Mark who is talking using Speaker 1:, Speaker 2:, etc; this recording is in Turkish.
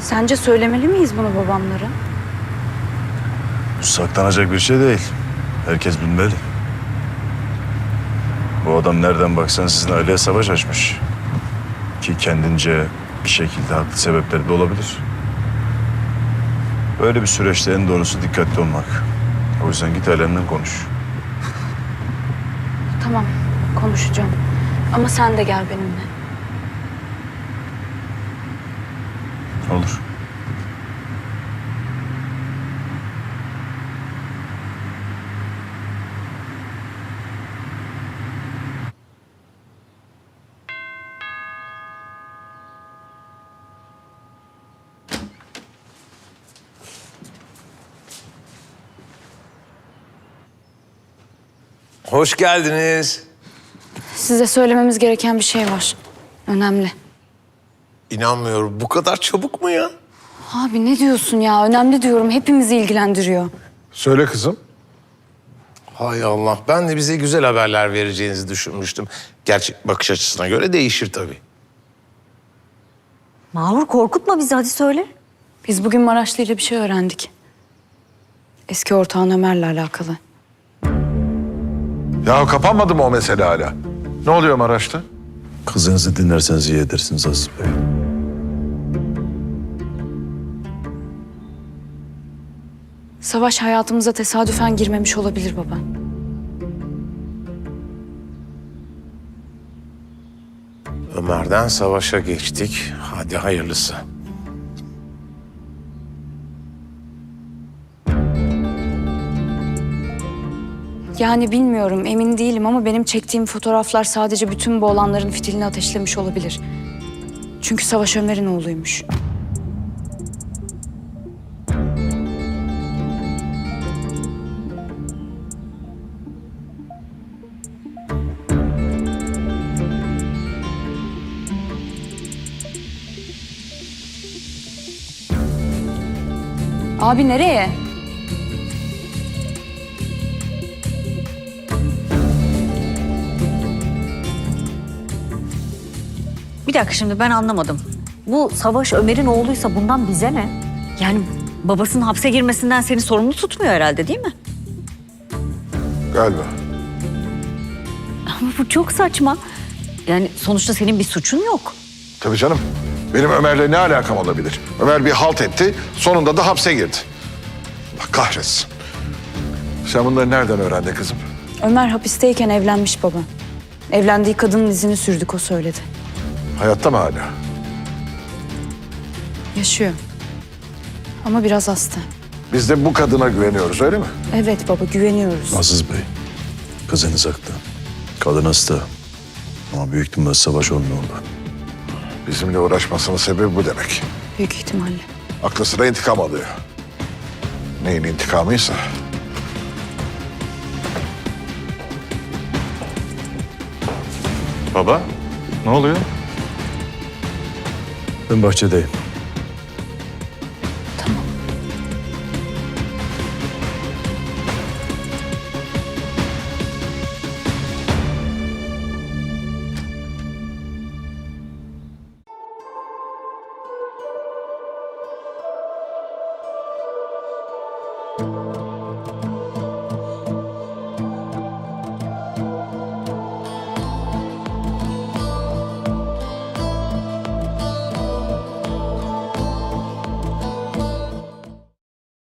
Speaker 1: Sence söylemeli miyiz bunu babamlara?
Speaker 2: Bu saklanacak bir şey değil. Herkes bilmeli. Bu adam nereden baksan sizin aileye savaş açmış. Ki kendince bir şekilde haklı sebepleri de olabilir. Böyle bir süreçte en doğrusu dikkatli olmak. O yüzden git ailenden konuş.
Speaker 1: Tamam, konuşacağım. Ama sen de gel benimle.
Speaker 2: Olur.
Speaker 3: Hoş geldiniz.
Speaker 1: Size söylememiz gereken bir şey var. Önemli.
Speaker 3: İnanmıyorum. Bu kadar çabuk mu ya?
Speaker 1: Abi ne diyorsun ya? Önemli diyorum. Hepimizi ilgilendiriyor.
Speaker 4: Söyle kızım.
Speaker 3: Hay Allah. Ben de bize güzel haberler vereceğinizi düşünmüştüm. Gerçi bakış açısına göre değişir tabii.
Speaker 5: Mahur korkutma bizi, hadi söyle.
Speaker 1: Biz bugün Maraşlı ile bir şey öğrendik. Eski ortağın Ömer'le alakalı.
Speaker 4: Ya kapanmadı mı o mesele hala? Ne oluyor Maraş'ta?
Speaker 2: Kızınızı dinlerseniz iyi edersiniz Aziz Bey.
Speaker 1: Savaş hayatımıza tesadüfen girmemiş olabilir baba.
Speaker 3: Ömer'den savaşa geçtik. Hadi hayırlısı.
Speaker 1: Yani bilmiyorum, emin değilim ama benim çektiğim fotoğraflar sadece bütün bu olanların fitilini ateşlemiş olabilir. Çünkü Savaş Ömer'in oğluymuş. Abi nereye?
Speaker 5: Bir dakika, şimdi ben anlamadım. Bu Savaş Ömer'in oğluysa bundan bize ne? Yani babasının hapse girmesinden seni sorumlu tutmuyor herhalde, değil mi?
Speaker 4: Galiba.
Speaker 5: Ama bu çok saçma. Yani sonuçta senin bir suçun yok.
Speaker 4: Tabii canım. Benim Ömer'le ne alakam olabilir? Ömer bir halt etti, sonunda da hapse girdi. Allah kahretsin. Sen bunları nereden öğrendin kızım?
Speaker 1: Ömer hapisteyken evlenmiş baba. Evlendiği kadının izini sürdük, o söyledi.
Speaker 4: Hayatta mı hala?
Speaker 1: Yaşıyor. Ama biraz hasta.
Speaker 4: Biz de bu kadına güveniyoruz, öyle mi?
Speaker 1: Evet baba, güveniyoruz.
Speaker 2: Aziz Bey, kızınız haklı. Kadın hasta. Ama büyük ihtimalle savaş olmuyor orada.
Speaker 4: Bizimle uğraşmasının sebebi bu demek.
Speaker 1: Büyük ihtimalle.
Speaker 4: Aklı sıra intikam alıyor. Neyin intikamıysa.
Speaker 6: Baba, ne oluyor?
Speaker 2: Ben bahçedeyim.